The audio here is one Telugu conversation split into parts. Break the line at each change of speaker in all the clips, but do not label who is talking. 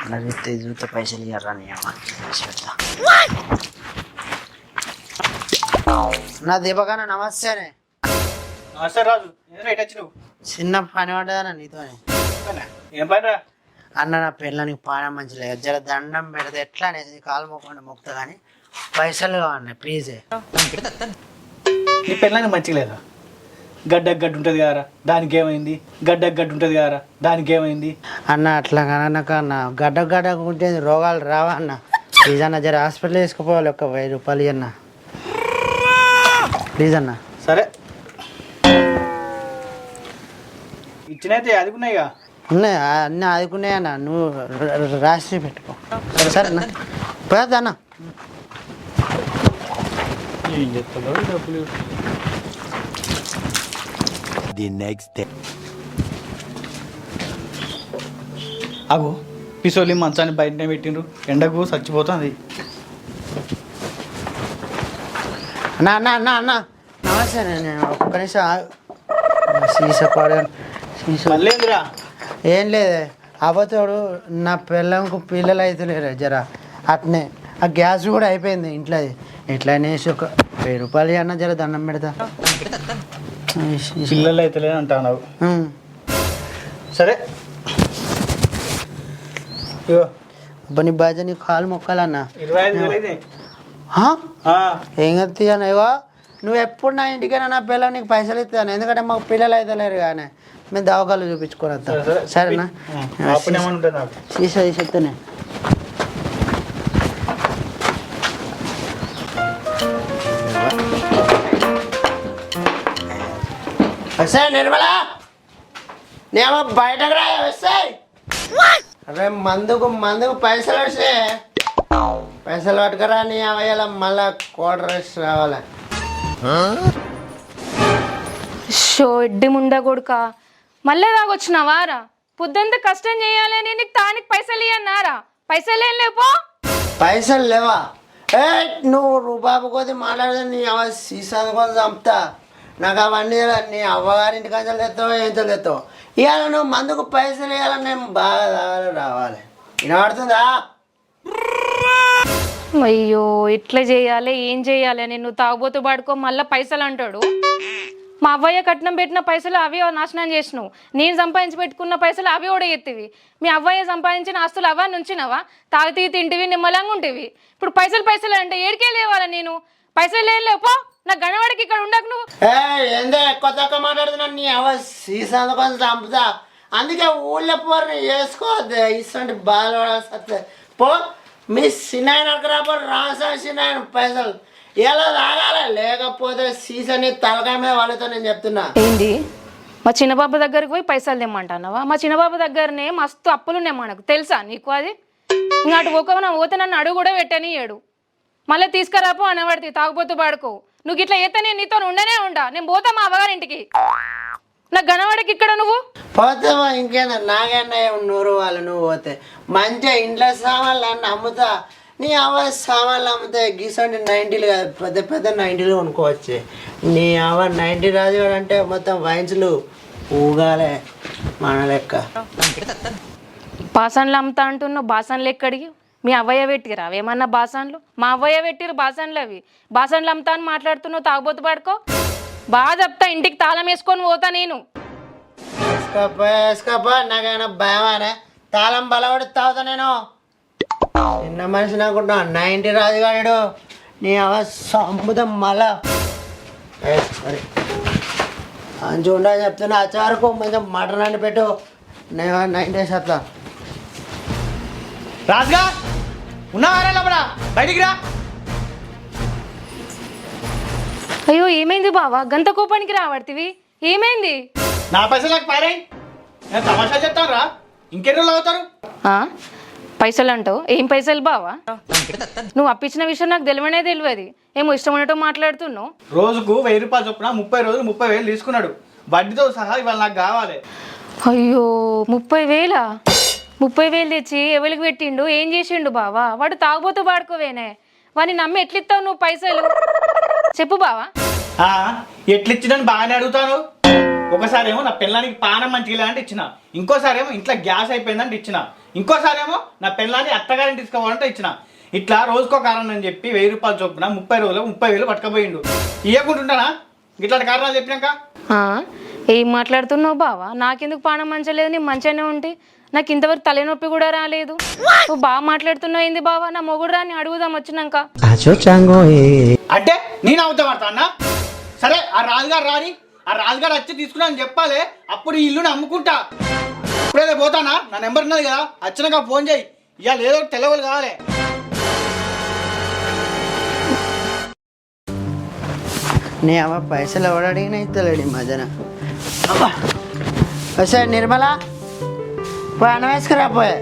అడిగితే జూత పైసలు ఇవ్వరా నీ అమ్మ పెడతా. నా దీపకన్న నమస్తేనే.
నమస్తే రాజు, రైట్ వచ్చినావు?
చిన్న పని పడ్డదన్న నీతోనే.
ఏం పని రా?
అన్న నా పిల్లనికి పానం మంచి లేదు, జర దండం పెడితే ఎట్లా అనేది కాలు మొక్కకుండా మొక్తా కానీ పైసలు కావాలి ప్లీజే.
నీ పిల్లలకి మంచిగా లేదా? గడ్డకు గడ్డ ఉంటుంది కదరా, దానికి ఏమైంది? గడ్డకు గడ్డ ఉంటుంది కదరా, దానికి ఏమైంది?
అన్న అట్లా కనుక అన్న గడ్డ ఉంటే రోగాలు రావా అన్న? ప్లీజ్ అన్న జర హాస్పిటల్ వేసుకుపోవాలి, ఒక 1000 రూపాయలు అన్న ప్లీజ్ అన్న.
సరే ఇచ్చినైతే అదుకున్నాయిగా.
ఉన్నాయి అన్నీ ఆదుకున్నాయి అన్న, నువ్వు రాసి పెట్టుకో సరేనా? పోయొద్దు అన్న.
ఏం చెప్తాలో డబ్బులు.
The next day.
అగో పిసోలి మంచాన్ని బయటనే పెట్టిండ్రు, ఎండకు చచ్చిపోతుంది.
అన్న అన్న అన్న అన్న నమస్తే. నేను ఒక్క నిమిషం సీసా పడాను. సీసా
మళ్ళీందిరా?
ఏం లేదు అవతోడు నా పిల్లంకు పిల్లలు అయితే లేరు జర అట్నే. ఆ గ్యాస్ కూడా అయిపోయింది ఇంట్లో, ఎట్లా అనేసి ఒక 1000 రూపాయలు అన్న జర దండం పెడతా.
పిల్లలు అయితే లేదు అంటున్నావు. సరే ఇగో
నీ బాజ నీ కాలు మొక్కాలన్న.
25,000 అయితే.
ఏం కత్తి అన్న ఇగో నువ్వు ఎప్పుడు నా ఇంటికైనా నా పిల్లలు నీకు పైసలు ఇస్తాను, ఎందుకంటే మాకు పిల్లలు అయితే లేరు కానీ మేము దవాఖాలు చూపించుకొని వస్తాం సరేనా? సీసా తీసేస్తానే. వస్తాయి నిర్మలా, నేమో బయటకు రా వస్తాయి. అరే మందుకు పైసలు వస్తాయి, పైసలు పట్టుకురా నీ అవయ్యాల మళ్ళా కోటరేసి రావాలి.
షో ఎడ్డి ముండా కొడుక, మళ్ళీ తాగొచ్చినావారా? పొద్దుంతా కష్టం చేయాలని నీకు తానికి పైసలు ఇవ్వన్నారా? పైసలు ఏం లేపో.
పైసలు లేవా? ఏ నువ్వు రూపాయి కొద్ది మాట్లాడితే నీ అవ సీసాది కొద్ది చంపుతా. నాకు అవన్నీ నీ అవ్వగారింటి కంచెలు తెస్తావో ఏం తెస్తావు. ఇవాళ నువ్వు మందుకు పైసలు ఇవ్వాలని నేను బాగా తాగాలి రావాలి. వినబడుతుందా?
అయ్యో ఇట్లా చేయాలి ఏం చేయాలి అని నువ్వు తాగుబోతు పడుకో మళ్ళీ పైసలు అంటాడు. మా అవ్వయ్య కట్నం పెట్టిన పైసలు అవి నాశనం చేసినావు, నేను సంపాదించి పెట్టుకున్న పైసలు అవి కూడా ఎత్తివి. మీ అవ్వయ్య సంపాదించిన ఆస్తులు అవా నుంచినవా? తాగితీ తింటివి నిమ్మలంగా ఉంటివి. ఇప్పుడు పైసలు అంటే ఏడికే లేవాలా? నేను పైసలు లేపో, నా గణవాడికి ఇక్కడ ఉండకు నువ్వు.
ఏందో ఎక్కువ తక్కువ మాట్లాడుతున్నా నీ అవ సీసాది కొంచెం చంపుతా. అందుకే ఊళ్ళో పోరు వేసుకోవద్దు ఇటువంటి బాధ పో. మీ సినాయనకు రాబోరు రామస్వామి సినాయన పైసలు ఎలా తాగాలి, లేకపోతే సీసాని తలకాయ మీద వాళ్ళతో నేను చెప్తున్నా.
ఏంది మా చిన్నబాబు దగ్గరికి పోయి పైసలు తెమ్మంటున్నావా? మా చిన్నబాబు దగ్గరనే మస్తు అప్పులు ఉన్నాయి మనకు, తెలుసా నీకు? అది ఇంకా అటు పోతే నన్ను అడుగు కూడా పెట్టనియ్యాడు. మళ్ళీ తీసుకురాపో అనబడితే తాగుపోతూ పాడుకో. నువ్వు ఇట్లా అయితే నేను నీతో ఉండనే ఉండా. నేను పోతా మా అవ్వగారింటికి, నా గణవాడికి ఇక్కడ నువ్వు
పోతావా? ఇంకేందా నాకన్నా 100 వాళ్ళు నువ్వు పోతే మంచిగా ఇంట్లో సామాన్లు అన్నీ అమ్ముతా. నీ అవ సామాన్లు అమ్ముతా గీసండి 90లు కాదు, పెద్ద పెద్ద 90లు కొనుక్కోవచ్చు. నీ అవ 90 రాజు అంటే మొత్తం వైన్స్లు ఊగాలే మన లెక్క.
బాసన్లు అమ్ముతా అంటున్నావు, బాసన్లు ఎక్కడికి? మీ అవ్వయ్య పెట్టిరా అవేమన్నా బాసన్లు? మా అవ్వయ్య పెట్టిరు బాసన్లు, అవి బాసన్లు అమ్ముతా అని మాట్లాడుతున్నావు. తాగుబోతు పడుకో, బాగా చెప్తా. ఇంటికి తాళం వేసుకొని పోతా నేను.
వేసుకోపో నాకైనా భయమానే, తాళం బలపడి తాగుతా నేను. చిన్న మనిషి అనుకుంటా 90 రాజుగాడు నీ అవ అమ్ముదాం మళ్ళా. సరే మంచిగా ఉండాలని చెప్తున్నా. అచ్చారకు కొంచెం మటన్ అని పెట్టు, నేను 90 వేసేస్తా.
రాజుగా ఉన్నావారా లోపల? బయటికి రా.
అయ్యో ఏమైంది బావా, గంత కోపానికి రావడితివి? ఏమైంది?
నా పైసలకు పారే, నేను తమాషా చెప్తాను రా. ఇంకెన్ని రోజులు అవుతారు?
పైసలు అంటావు? ఏం పైసలు బావా? నువ్వు అప్పించిన విషయం నాకు తెలియనే తెలియదు. ఏమో ఇష్టం ఉన్నట్టు మాట్లాడుతున్నావు.
రోజుకు 1000 రూపాయలు చొప్పున 30 రోజులు 30,000 తీసుకున్నాడు, వడ్డీతో సహా. ఇవాళ నాకు కావాలి.
అయ్యో 30,000? 30,000 తెచ్చి ఎవరికి పెట్టిండు? ఏం చేసిండు బావా? వాడు తాగుబోతూ పాడుకోవేనే, వాడిని నమ్మి ఎట్లిస్తావు నువ్వు పైసలు? చెప్పు బావా.
ఎట్లిచ్చిందని బాగానే అడుగుతాను. ఒకసారి ఏమో నా పిల్లానికి పానం మంచిగా అంటే ఇచ్చిన, ఇంకోసారి ఏమో ఇంట్లో గ్యాస్ అయిపోయిందంటే ఇచ్చిన, ఇంకోసారి ఏమో నా పిల్లాన్ని అత్తగారిని తీసుకోవాలంటే ఇచ్చిన. ఇట్లా రోజుకో కారణం అని చెప్పి 1000 రూపాయలు చొప్పున 30 రోజులు 30,000 పట్టుకపోయిండు. ఇవ్వకుంటుంటానా ఇట్లాంటి కారణాలు చెప్పినాక?
ఏం మాట్లాడుతున్నావు బావా? నాకెందుకు పానం మంచలేదు, నీ మంచిగానే ఉంటే. నాకు ఇంతవరకు తలనొప్పి కూడా రాలేదు. నువ్వు బాగా మాట్లాడుతున్నావు ఏంది బావా? నా మొగుడు రాని అడుగుదాం వచ్చినాక.
అంటే నేను అవుతా పడతా అన్న. సరే ఆ రాజుగారు రాని, ఆ రాజుగారు వచ్చి తీసుకున్నా అని చెప్పాలి, అప్పుడు ఈ ఇల్లుని అమ్ముకుంటా. ఇప్పుడైతే పోతానా? నా నెంబర్ ఉన్నది కదా, వచ్చినాక ఫోన్ చేయి. ఇవాళ ఏదో తెలవలు కావాలి.
నీ అవ్వ పైసలు ఎవడు అడిగినా ఇస్తలేడు ఈ మధ్యన. సరే నిర్మల పోయి అన్నం వేసుకురా పోయే.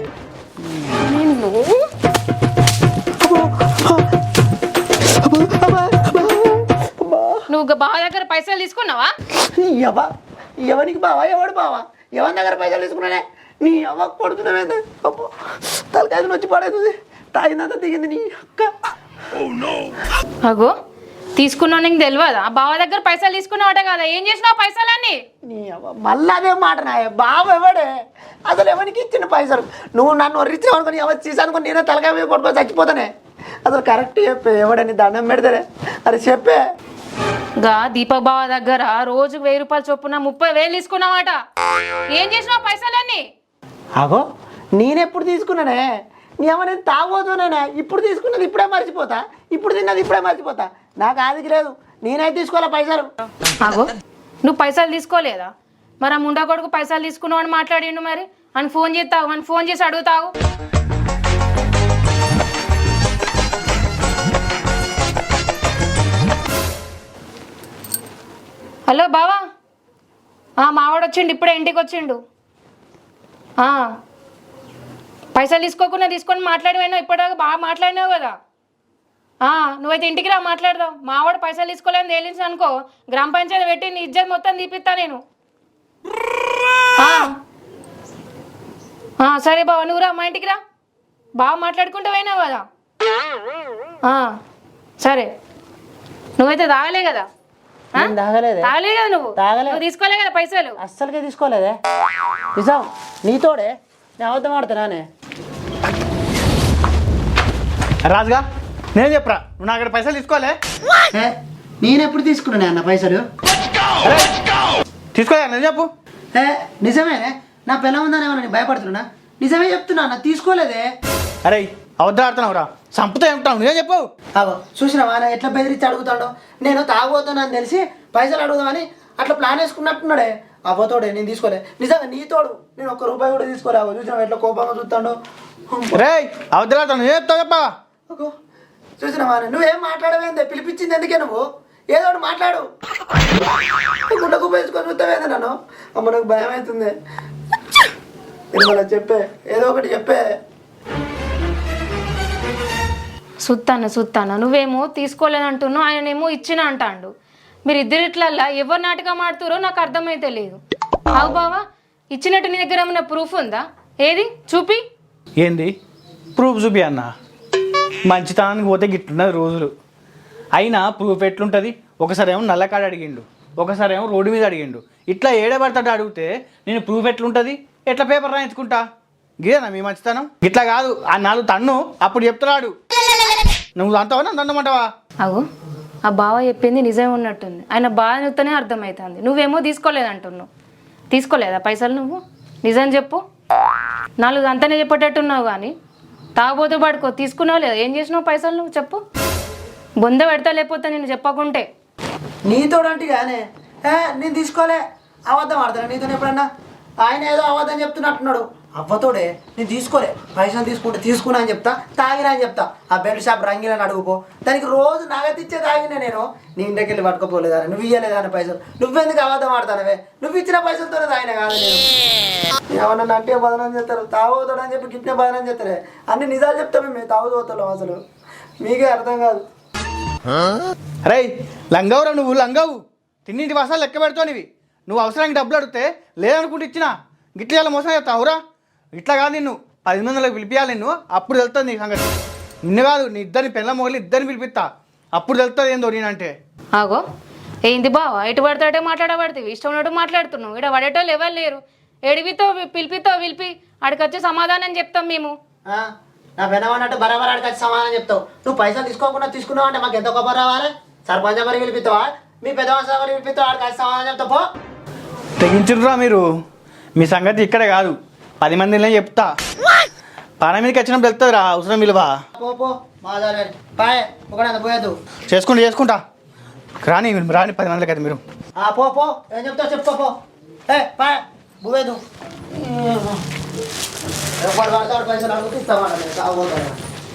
నువ్వు బావ దగ్గర పైసలు తీసుకున్నావా?
ఎవరికి బావా? ఎవడు బావా? ఎవరి దగ్గర పైసలు తీసుకున్నానే? నీ అవ్వ కొడుతున్నావేంది? అబ్బో తలకాయ వచ్చి పడేది, తాగిందంతా దిగింది నీ అక్క.
అగో తీసుకున్నావు, నీకు తెలియదా? బావ దగ్గర పైసలు తీసుకున్నావట కదా, ఏం చేసినావు పైసలన్నీ?
నీ అవ్వ మళ్ళీ అదే మాట నాయ. బావ ఎవడే అసలు? ఎవరికి ఇచ్చిన పైసలు? నువ్వు నన్ను వర్రించావు అనుకుని ఎవరు తీసానుకుని నేనే తలకాయ మీద కొట్టుకొని చచ్చిపోతానే. అసలు కరెక్ట్ చెప్పే, ఎవడని దండం పెడతారే? అరే చెప్పే.
గా దీపక్ బావ దగ్గర రోజుకు 1000 రూపాయలు చొప్పున 30,000 తీసుకున్నావాట. ఏం చేసినావు పైసలన్నీ?
అగో నేనెప్పుడు తీసుకున్నానే? నీ అమ్మ నేను తాగబోతున్నానే. ఇప్పుడు తీసుకున్నది ఇప్పుడే మర్చిపోతా, ఇప్పుడు తిన్నది ఇప్పుడే మర్చిపోతా. నాకు ఆదికి లేదు, నేనైతే తీసుకోవాలా పైసలు.
అగో నువ్వు పైసలు తీసుకోలేదా? మరి ఆ ముండా కొడుకు పైసలు తీసుకున్నావు అని మాట్లాడిండు. మరి అని ఫోన్ చేస్తావు, అని ఫోన్ చేసి అడుగుతావు. హలో బావా, మావాడు వచ్చిండు, ఇప్పుడే ఇంటికి వచ్చిండు. పైసలు తీసుకోకుండా తీసుకొని మాట్లాడిపోయినావు, ఇప్పటిదాకా బాగా మాట్లాడినావు కదా. నువ్వైతే ఇంటికి రా మాట్లాడదాం. మావాడు పైసలు తీసుకోలేని తేలించి అనుకో, గ్రామ పంచాయతీ పెట్టి నీ ఇజ్జత్ మొత్తం తీపిస్తా నేను. సరే బావ, నువ్వు రా మా ఇంటికి రా. బాగా మాట్లాడుకుంటూ పోయినావు కదా. సరే నువ్వైతే తాగలే కదా?
తాగలేదు
తాగలే కదా నువ్వు తీసుకోలే కదా పైసలు?
అస్సలుకే తీసుకోలేదే. నిజం నీతోడే నేను అబద్ధం ఆడుతున్నానే.
రాజుగా నేను చెప్పరా, నువ్వు నా దగ్గర పైసలు తీసుకోలే?
నేను ఎప్పుడు తీసుకున్నానే అన్న పైసలు?
తీసుకోలే నేను చెప్పు.
నిజమేనే, నా పిల్ల ఉందనేమో నేను భయపడుతున్నా. నిజమే చెప్తున్నా అన్న, తీసుకోలేదే.
అరే అబద్ధం ఆడుతున్నావురా, సంపుతా ఏమంటావు? నువ్వే చెప్పు.
చూసినావా ఆయన ఎట్లా బెదిరించి అడుగుతాడో? నేను తాగబోతున్నాను తెలిసి పైసలు అడుగుదామని అట్లా ప్లాన్ వేసుకున్నట్టున్నాడే. అవ్వతోడే నేను తీసుకోలే. నిజంగా నీతోడు నేను ₹1 కూడా తీసుకోలే. చూసినావా ఎట్లా కోపంగా చూస్తాడో?
రే అబద్ధం ఆడుతావు, నువ్వే చెప్తావు చెప్పా.
చూసినావా నువ్వేం మాట్లాడవేందే? పిలిపించింది ఎందుకే నువ్వు? ఏదో ఒకటి మాట్లాడు. గుడ్డ కుప్ప వేసుకొని చూస్తావేంది నన్ను? అమ్మ నాకు భయం అవుతుంది. చెప్పే, ఏదో ఒకటి చెప్పే.
సుత్తాను నువ్వేమో తీసుకోలేదంటున్నావు, ఆయనేమో ఇచ్చిన అంటాడు. మీరు ఇద్దరిట్లల్లా ఎవరు నాటకం ఆడుతారో నాకు అర్థమైతే లేదు. అవు బావా, ఇచ్చినట్టు నీ దగ్గర ఏమన్నా ప్రూఫ్ ఉందా? ఏది చూపి.
ఏంది ప్రూఫ్ చూపి అన్న? మంచితనానికి పోతే గిట్లున్నది రోజులు. అయినా ప్రూఫ్ ఎట్లుంటుంది? ఒకసారి ఏమో నల్లకాడ అడిగిండు, ఒకసారి ఏమో రోడ్డు మీద అడిగిండు. ఇట్లా ఏడబడతాడు అడిగితే నేను ప్రూఫ్ ఎట్లుంటుంది? ఎట్లా పేపర్ రాయించుకుంటా? గిదేనా మీ మంచితనం? ఇట్లా కాదు, ఆ 4 తన్ను అప్పుడు చెప్తున్నాడు. నువ్వు అంటావా నన్ను అన్నమాటవా?
అవు ఆ బావ చెప్పింది నిజమే ఉన్నట్టుంది. ఆయన బాగా చెప్తేనే అర్థమవుతుంది. నువ్వేమో తీసుకోలేదంటున్నావు. తీసుకోలేదా పైసలు నువ్వు? నిజం చెప్పు. 4 అంతనే చెప్పేటట్టున్నావు కానీ తాగబోతూ పడుకో. తీసుకున్నావు లేదా? ఏం చేసినావు పైసలు నువ్వు చెప్పు. బొంద పెడతా లేకపోతే నేను చెప్పకుంటే.
నీతోడంటే కానీ నేను తీసుకోలే, అబద్ధం ఆడతాను నీతో ఎప్పుడన్నా? ఆయన ఏదో అబద్ధం చెప్తున్నట్టున్నాడు. అవ్వతోడే నేను తీసుకోలే, పైసలు తీసుకున్నా అని చెప్తా, తాగినా అని చెప్తా. ఆ బెల్ట్ షాప్ రంగిలని అడుగుపో, దానికి రోజు నగతిచ్చే తాగినా నేను. నీ ఇంటికి వెళ్ళి పట్టుకోపోలేదాన్ని, నువ్వు ఇవ్వలేదాన్ని పైసలు. నువ్వెందుకు అబద్ధం ఆడతానవే? నువ్వు ఇచ్చిన పైసలతోనే తాగిన కాదు నేను. ఏమన్నా అంటే బదనం చేస్తారు, తాగుతాడు అని చెప్పి గిట్నే బదనం చేస్తారే. అన్ని నిజాలు చెప్తామే మేము తాగుతాం. అసలు మీకే అర్థం కాదు.
అరే లంగవురా నువ్వు, లంగవు. తిన్నింటి వాసాలు లెక్క పెడతావు. నువ్వు అవసరానికి డబ్బులు అడిగితే లేదనుకుంటే ఇచ్చినా గిట్ల ఇలా మోసం చేస్తావురా? ఇట్లా కాదు, నిన్ను 10 మందిలోకి పిలిపియాలి. నిన్ను అప్పుడు తెలుస్తుంది నీ సంగతి. నిన్ను కాదు, నీ ఇద్దరిని పిల్ల మొగలు ఇద్దరిని పిలిపిస్తా, అప్పుడు తెలుస్తుంది ఏందో నేనంటే.
ఆగో ఏంది బావా ఎటు పడితే మాట్లాడబడుతుంది ఇష్టం ఉన్నట్టు మాట్లాడుతున్నావు ఇక్కడ పడేటోళ్ళు ఎవరు లేరు ఎడిపితో పిలిపి ఆడికి వచ్చి సమాధానం చెప్తాం మేము
ఆ? నా పెనవన్నట్టు బరాబర్ ఆడికి వచ్చి సమాధానం చెప్తావు నువ్వు పైసలు తీసుకోకుండా తీసుకున్నావు అంటే మాకు ఎంత గొప్ప రావాలి సర్పంచ్ మరి పిలిపిస్తావా మీ పెద్ద మరి పిలిపిస్తావు ఆడికి వచ్చి సమాధానం చెప్తావు పో
తెగించుర్రా మీరు మీ సంగతి ఇక్కడే కాదు 10 మందిలో చెప్తా పాన మీదకి వచ్చినప్పుడు వెళ్తుందిరా అవసరం విలువ
పో పో మాదారు పాయ్ ఒకటి పోయేద్దు
చేసుకుంటా రాని 10 మందికి అయితే మీరు
పో పో ఏం చెప్తావు చెప్పు పో పాయ్ పోయేద్దు ఎవరు పడతాడు పైసలు అడుగుతూ ఇస్తామంట సాగుతాడు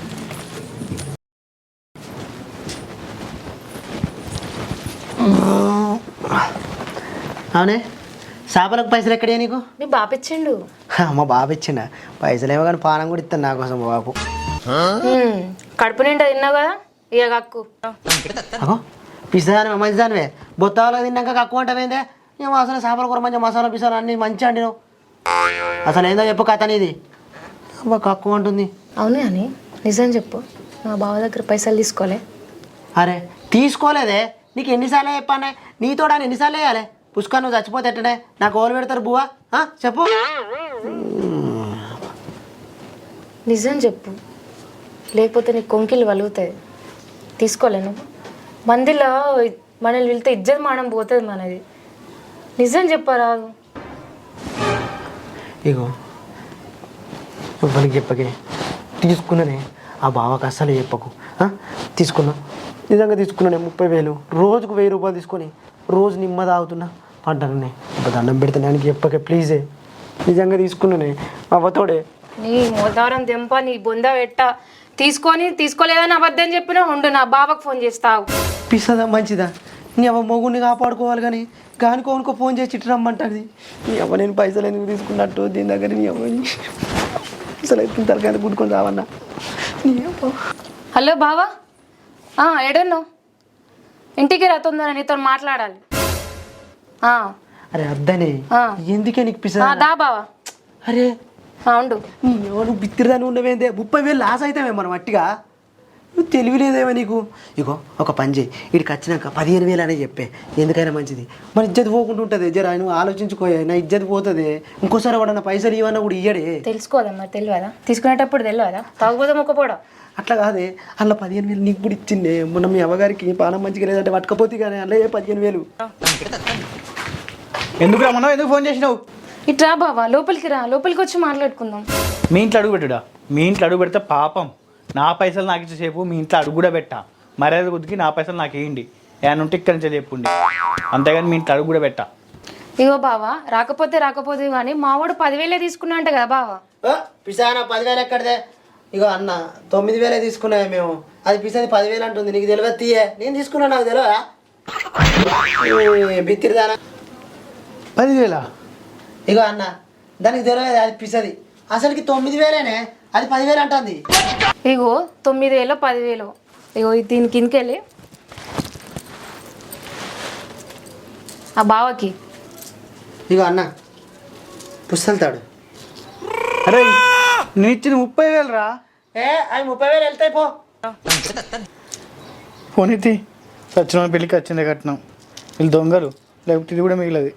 అవునే చేపలకు పైసలు ఎక్కడే నీకు
మీ బాపిచ్చిండు
మా బాబు ఇచ్చిండ పైసలు ఏమో కానీ పానం కూడా ఇస్తాను నా కోసం మా బాబు
కడుపు నిండా తిన్నావు కదా ఇక కక్కు
అగో పిసాదానివే మంచిదానివే బొత్తాలకు తిన్నాక కక్కువ అంటావేందే ఏమో అసలు చేపల కూర మంచిగా మసాలా పిసాలు అన్నీ మంచిగా అండి నువ్వు అసలు ఏందో చెప్పు కథ నీది అబ్బా కక్కువ అంటుంది
అవునే అని నిజం చెప్పు మా బావ దగ్గర పైసలు తీసుకోలే
అరే తీసుకోలేదే నీకు ఎన్నిసార్లు చెప్పానే నీతో ఎన్నిసార్లు వేయాలి పుష్కర్ నువ్వు చచ్చిపోతే ఎట్టనే నాకు ఓలు పెడతారు బువ్వా చెప్పు
నిజం చెప్పు లేకపోతే నీకు కొంకిలు వలుగుతాయి తీసుకోలే నువ్వు మందిలో మనల్ని వెళ్తే ఇజ్జత్ మానం పోతుంది మనది నిజం చెప్పరాదు
ఇగో ఇవ్వనికి చెప్పకే తీసుకున్నానే ఆ బావకు అస్సలు చెప్పకు తీసుకున్నా నిజంగా తీసుకున్నానే 30,000 రోజుకు 1,000 రూపాయలు తీసుకొని రోజు నిమ్మ తాగుతున్నా పడ్డానే ఇప్పుడు దండం పెడితే నాకు చెప్పకే ప్లీజే నిజంగా తీసుకున్నానే అవ్వతోడే
నీ మోదారం దెంప నీ బొంద పెట్ట తీసుకోలేదని అబద్ధం చెప్పినా ఉండు నా బావకు ఫోన్ చేస్తావు
పిసదా మంచిదా నీ అవ్వ మొగుడిని కాపాడుకోవాలి కానీ కానుకోనుకో ఫోన్ చేసి ఇటు రమ్మంటుంది నీ అవ్వ నేను పైసలు ఎందుకు తీసుకున్నట్టు దీని దగ్గర నీ అవ్వని అసలు అయితే తలకాయ గుడ్డుకొని రావన్నా నీ అవ్వ
హలో బావా ఎడున్నావు ఇంటికి రా తొందర నీతో మాట్లాడాలి
అరే అద్దనే ఎందుకే నీకు పిసదా
దా బావా
అరే
ఉండు
నీ ఎవరు బిత్తిరిదాన్ని ఉండవేందే 30,000 లాస్ అవుతామే మనం అట్టిగా నువ్వు తెలివిలేదేమో నీకు ఇగో ఒక పని చేయి ఇక్కడికి వచ్చినాక 15,000 అనే చెప్పే ఎందుకైనా మంచిది మన ఇజ్జత్ పోకుండా ఉంటుంది జర నువ్వు ఆలోచించుకోయా నా ఇజ్జత్ పోతుంది ఇంకోసారి వాడన్న పైసలు ఇవన్నా కూడా ఇయ్యడే
తెలుసుకోదమ్మా తెలియదా తీసుకునేటప్పుడు తెలియదా తాగుపోతే మొక్కపోవడం
అట్లా కాదే అలా 15,000 నీకు కూడా ఇచ్చిండే మొన్న మీ అవ్వగారికి పానం మంచిగా లేదంటే పట్టుకపోతే కానీ అలా 15,000
ఎందుకు రమ్మన్నావు ఎందుకు ఫోన్ చేసినావు
ఇట్రా బావా లోపలికి రా లోపలికి వచ్చి మాట్లాడుకుందాం
మీ ఇంట్లో అడుగు పెట్టుడా మీ ఇంట్లో అడుగు పెడితే పాపం నా పైసలు నాకు ఇచ్చేసేపు మీ ఇంట్లో అడుగు కూడా పెట్టా మర్యాద కొద్దికి నా పైసలు నాకు వేయండి ఏమైనా ఉంటే ఇక్కడి నుంచి చెప్పుండి అంతేగాని మీ ఇంట్లో అడుగు కూడా పెట్టా
ఇగో బావా రాకపోతే కానీ మావాడు 10,000 తీసుకున్నా అంట కదా బావా
పిసానా 10,000 ఎక్కడదే ఇగో అన్న 9,000 తీసుకున్నాయి మేము అది పిసాది 10,000 అంటుంది నీకు తెలియదు తీయే నేను తీసుకున్నా నాకు తెలియదా బిత్తిరిదానా
10,000
ఇగో అన్న దానికి తెలియదు అది పిసది అసలుకి 9,000నే అది 10,000 అంటుంది
ఇగో 9,000 10,000 ఇగో దీని కిందకెళ్ళి ఆ బావకి
ఇగో అన్న పుస్తలుతాడు
అరే నేను ఇచ్చింది 30,000 రా
అవి 30,000 వెళ్తాయి పో
ఫోన్ ఎత్తి సచిన పెళ్ళికి వచ్చిందే కట్నం వీళ్ళు దొంగలు లేకపోతే ఇది కూడా మిగిలది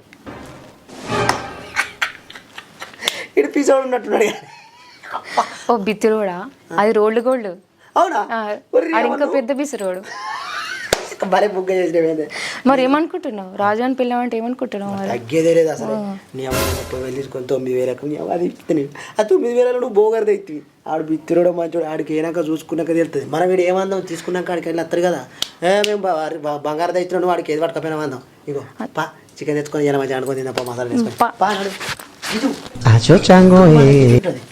ఇటు పిసోడు ఉన్నట్టున్నాడు
ఓ బిత్తిరోడా అది రోల్డ్ గోల్డ్
అవునా
అది ఇంకా పెద్ద బిసిరోడు
భలే బుగ్గ చేసినవేందే
మరి ఏమనుకుంటున్నావు రాజాని పిల్లమంటే ఏమనుకుంటున్నావు మరి
తగ్గేదే లేదు అసలు నీ అమ్మ 30,000 తీసుకొని 9,000 నీ అమ్మ అది ఇస్తుంది ఆ 9,000 నువ్వు బోగర్ తెచ్చి ఆడు బిత్తిరోడు మంచోడు ఆడికి ఏనాక చూసుకున్నాక తెలుస్తుంది మనం వీడు ఏమందాం తీసుకున్నాక ఆడికి వెళ్ళి వస్తారు కదా మేము బంగారు తెచ్చినాడు వాడికి ఏది పట్టుకపోయినా మందాం ఇగో పా చికెన్ తెచ్చుకొని ఇలా మంచిగా అనుకొని తిందా మసాలా వేసుకొని పా